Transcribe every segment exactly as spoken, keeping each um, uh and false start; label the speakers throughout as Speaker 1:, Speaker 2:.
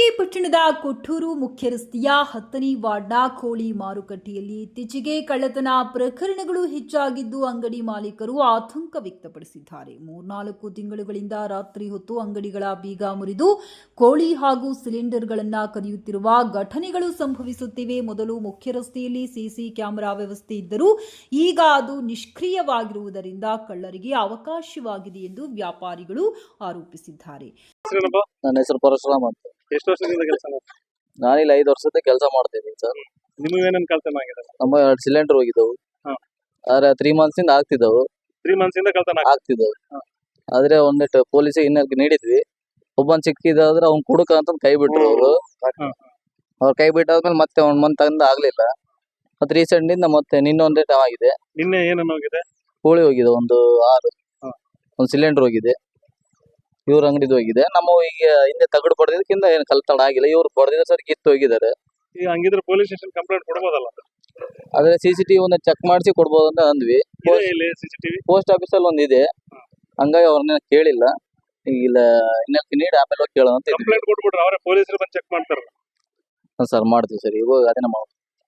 Speaker 1: ಕಲಬುರಗಿ ಪಟ್ಟಣದ ಕೊಟ್ಟೂರು ಮುಖ್ಯ ರಸ್ತೆಯ ಹತ್ತನೇ ವಾರ್ಡ್ನ ಕೋಳಿ ಮಾರುಕಟ್ಟೆಯಲ್ಲಿ ಇತ್ತೀಚೆಗೆ ಕಳ್ಳತನ ಪ್ರಕರಣಗಳು ಹೆಚ್ಚಾಗಿದ್ದು ಅಂಗಡಿ ಮಾಲೀಕರು ಆತಂಕ ವ್ಯಕ್ತಪಡಿಸಿದ್ದಾರೆ. ಮೂರ್ನಾಲ್ಕು ತಿಂಗಳುಗಳಿಂದ ರಾತ್ರಿ ಹೊತ್ತು ಅಂಗಡಿಗಳ ಬೀಗ ಮುರಿದು ಕೋಳಿ ಹಾಗೂ ಸಿಲಿಂಡರ್ಗಳನ್ನು ಕದಿಯುತ್ತಿರುವ ಘಟನೆಗಳು ಸಂಭವಿಸುತ್ತಿವೆ. ಮೊದಲು ಮುಖ್ಯ ರಸ್ತೆಯಲ್ಲಿ ಸಿಸಿ ಕ್ಯಾಮೆರಾ ವ್ಯವಸ್ಥೆ ಇದ್ದರೂ ಈಗ ಅದು ನಿಷ್ಕ್ರಿಯವಾಗಿರುವುದರಿಂದ ಕಳ್ಳರಿಗೆ ಅವಕಾಶವಾಗಿದೆ ಎಂದು ವ್ಯಾಪಾರಿಗಳು ಆರೋಪಿಸಿದ್ದಾರೆ.
Speaker 2: ನನ್ನ ಹೆಸರು ಪರಶುರಾಮ್ ಅಂತ.
Speaker 3: ಎಷ್ಟು ವರ್ಷದಿಂದ ಕೆಲಸ ಮಾಡ್ತೀವಿ?
Speaker 2: ನಾನಿಲ್ಲಿ ಐದು ವರ್ಷದ ಕೆಲಸ ಮಾಡ್ತೀನಿ ಸರ್.
Speaker 3: ನಿಮಗೆ ಏನೇನು ಕಳ್ತನ ಆಗಿದೆ?
Speaker 2: ನಮ್ಮ ಎರಡು ಸಿಲಿಂಡರ್ ಹೋಗಿದ್ದವು.
Speaker 3: ಹಾ.
Speaker 2: ಆದ್ರೆ ತ್ರೀ ಮಂತ್ಸ್ ಇಂದ ಆಗ್ತಿದ್ದವು
Speaker 3: ತ್ರೀ ಮಂತ್ಸ್ ಇಂದ ಕಳ್ತನ ಆಗಿದೆ.
Speaker 2: ಆಗ್ತಿದ್ದವು
Speaker 3: ಹಾ.
Speaker 2: ಆದ್ರೆ ಒಂದಿಟ್ಟು ಪೊಲೀಸಿಗೆ ಇನ್ನೊಂದು ನೀಡಿದ್ವಿ. ಒಬ್ಬನ್ ಸಿಕ್ಕಿದಾದ್ರೆ ಅವ್ನ್ ಕುಡುಕ ಅಂತ ಕೈ ಬಿಟ್ರು ಅವರು.
Speaker 3: ಹಾ.
Speaker 2: ಅವ್ರ ಕೈ ಬಿಟ್ಟಾದ್ಮೇಲೆ ಮತ್ತೆ ಒಂದ್ ಮಂತ್ ಇಂದ ಆಗ್ಲಿಲ್ಲ. ಮತ್ತೆ ರೀಸೆಂಟ್ ಇಂದ ಮತ್ತೆ ನಿನ್ನೊಂದ್ ಡೇಟ್ ಆಗಿದೆ.
Speaker 3: ನಿನ್ನೆ ಏನನ್ನ ಹೋಗಿದೆ?
Speaker 2: ಕೋಳಿ ಹೋಗಿದೆ ಒಂದು ಆರು.
Speaker 3: ಹಾ.
Speaker 2: ಒಂದ್ ಸಿಲಿಂಡರ್ ಹೋಗಿದೆ. ಇವ್ರ ಅಂಗಡಿದು ಹೋಗಿದೆ. ನಮ್ಮ ಈಗ ಹಿಂದೆ ತಗಡು ಪಡೆದಿದ್ದಕ್ಕಿಂತ ಏನು ಕಳ್ತನ ಆಗಿಲ್ಲ. ಇವ್ರು ಪಡೆದಿದ್ದ ಸರ್ ಕಿತ್ತು ಹೋಗಿದ್ದಾರೆ.
Speaker 3: ಈಗ ಹಂಗಿದ್ರೆ ಪೊಲೀಸ್ ಸ್ಟೇಷನ್ ಕಂಪ್ಲೇಂಟ್ ಕೊಡ್ಬೋದಲ್ಲ?
Speaker 2: ಆದ್ರೆ ಸಿಸಿಟಿವಿ ಒಂದು ಚೆಕ್ ಮಾಡಿಸಿ ಕೊಡ್ಬೋದು ಅಂತ ಅಂದ್ವಿ.
Speaker 3: ಇದೆ ಇಲ್ಲಿ ಸಿಸಿಟಿವಿ
Speaker 2: ಪೋಸ್ಟ್ ಆಫೀಸ್ ಅಲ್ಲಿ ಒಂದಿದೆ. ಹಂಗಾಗಿ ಅವ್ರನ್ನ ಕೇಳಿಲ್ಲ. ಇಲ್ಲ ಇನ್ನೊಂದು ನೀಡಿ ಆಮೇಲೆ ಹೋಗಿ ಕೇಳೋಣ ಅಂತ ಇದ್ವಿ.
Speaker 3: ಕಂಪ್ಲೇಂಟ್ ಕೊಟ್ಬಿಟ್ರೆ ಅವರೇ ಪೊಲೀಸರು ಬಂದು ಚೆಕ್ ಮಾಡ್ತಾರಲ್ಲ?
Speaker 2: ಸರ್ ಮಾಡ್ತೀವಿ ಸರ್. ಇವಾಗ ಅದನ್ನ ಮಾಡೋದು.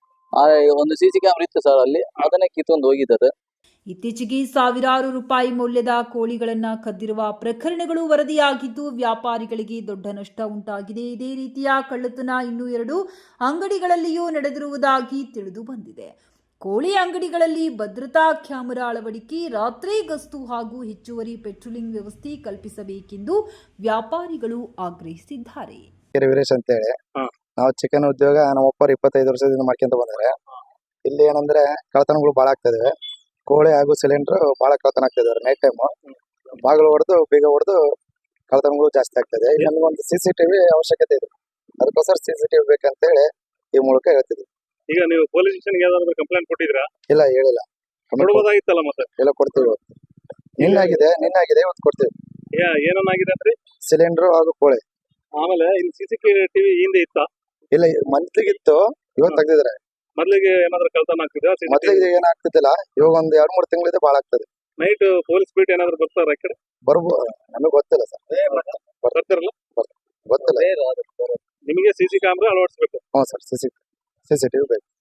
Speaker 2: ಆ ಒಂದು ಸಿಸಿ ಕ್ಯಾಮ್ರಾ ಇತ್ತು ಸರ್ ಅಲ್ಲಿ, ಅದನ್ನೇ ಕಿತ್ತೊಂದು ಹೋಗಿದ್ದಾರೆ.
Speaker 1: ಇತ್ತೀಚೆಗೆ ಸಾವಿರಾರು ರೂಪಾಯಿ ಮೌಲ್ಯದ ಕೋಳಿಗಳನ್ನು ಕದ್ದಿರುವ ಪ್ರಕರಣಗಳು ವರದಿಯಾಗಿದ್ದು ವ್ಯಾಪಾರಿಗಳಿಗೆ ದೊಡ್ಡ ನಷ್ಟ ಉಂಟಾಗಿದೆ. ಇದೇ ರೀತಿಯ ಕಳ್ಳತನ ಇನ್ನೂ ಎರಡು ಅಂಗಡಿಗಳಲ್ಲಿಯೂ ನಡೆದಿರುವುದಾಗಿ ತಿಳಿದು ಬಂದಿದೆ. ಕೋಳಿ ಅಂಗಡಿಗಳಲ್ಲಿ ಭದ್ರತಾ ಕ್ಯಾಮೆರಾ ಅಳವಡಿಕೆ, ರಾತ್ರಿ ಗಸ್ತು ಹಾಗೂ ಹೆಚ್ಚುವರಿ ಪೆಟ್ರೋಲಿಂಗ್ ವ್ಯವಸ್ಥೆ ಕಲ್ಪಿಸಬೇಕೆಂದು ವ್ಯಾಪಾರಿಗಳು ಆಗ್ರಹಿಸಿದ್ದಾರೆ.
Speaker 4: ವೀರೇಶ್ ಅಂತ ಹೇಳಿ ನಾವು ಚಿಕನ್ ಉದ್ಯೋಗ ನಮ್ಮ ಒಪ್ಪರು ಇಪ್ಪತ್ತೈದು ವರ್ಷದಿಂದ ಮಾಡ್ಕೊಂತ ಬಂದರೆ ಇಲ್ಲಿ ಏನಂದ್ರೆ ಕಳ್ಳತನಗಳು ಭಾಳ ಆಗ್ತದೆ. ಕೋಳಿ ಹಾಗೂ ಸಿಲಿಂಡರ್ ಭಾಳ ಕಳ್ಳತನ ಆಗ್ತಾ ಇದಾರೆ. ನೈಟ್ ಟೈಮ್ ಬಾಗಿಲು ಹೊಡೆದು ಬೀಗ ಹೊಡೆದು ಕಳ್ಳತನಗಳು ಜಾಸ್ತಿ ಆಗ್ತದೆ. ನಮಗೊಂದು ಸಿ ಸಿ ಟಿವಿ ಅವಶ್ಯಕತೆ ಇದೆ. ಅದಕ್ಕೋಸ್ಕರ ಸಿ ಸಿ ಟಿವಿ ಬೇಕಂತ ಹೇಳಿ ಈ ಮೂಲಕ ಹೇಳ್ತಿದ್ವಿ.
Speaker 3: ಈಗ ನೀವು ಪೊಲೀಸ್ ಸ್ಟೇಷನ್ ಯಾವ್ದಾದ್ರು ಕಂಪ್ಲೇಂಟ್ ಕೊಟ್ಟಿದ್ರಾ?
Speaker 4: ಇಲ್ಲ, ಹೇಳಿಲ್ಲ.
Speaker 3: ಕೊಡ್ಬೋದಾಗಿತ್ತಲ್ಲ ಮತ್ತೆ?
Speaker 4: ಎಲ್ಲ ಕೊಡ್ತೀವಿ. ನಿನ್ನಾಗಿದೆ ನಿನ್ನಾಗಿದೆ ಇವತ್ತು ಕೊಡ್ತೀವಿ.
Speaker 3: ಏನನ್ನಾಗಿದೆ ಅಂದ್ರೆ
Speaker 4: ಸಿಲಿಂಡರ್ ಹಾಗೂ ಕೋಳಿ.
Speaker 3: ಆಮೇಲೆ ಇಲ್ಲಿ ಸಿಸಿ ಟಿವಿ ಹಿಂದೆ ಇತ್ತ?
Speaker 4: ಇಲ್ಲ, ಮಂತ್ಲಿಗಿತ್ತು, ಇವತ್ತು ತೆಗ್ದಿದ್ರೆ.
Speaker 3: ಮೊದ್ಲಿಗೆ ಏನಾದ್ರು ಕಳ್ತನ ಆಗ್ತಿದೆ?
Speaker 4: ಮೊದ್ಲಿಗೆ ಏನಾಗ್ತಿದ್ದಿಲ್ಲ, ಇವಾಗ ಒಂದ್ ಎರಡ್ ಮೂರ್ ತಿಂಗಳಿದೆ ಭಾಳ ಆಗ್ತದೆ.
Speaker 3: ನೈಟ್ ಪೊಲೀಸ್ ಬೀಟ್ ಏನಾದ್ರು ಬರ್ತಾರ ಆ ಕಡೆ?
Speaker 4: ಬರ್ಬೋದು, ನಮಗೆ ಗೊತ್ತಿಲ್ಲ ಸರ್.
Speaker 3: ಬರ್ತಾರಲ್ಲ?
Speaker 4: ಗೊತ್ತಿಲ್ಲ.
Speaker 3: ನಿಮಗೆ ಸಿಸಿ ಕ್ಯಾಮ್ರಾ ಅಳವಡಿಸಬೇಕು?
Speaker 4: ಹ್ಞೂ ಸರ್, ಸಿಸಿ ಸಿಸಿ ಟಿವಿ ಬೇಕು.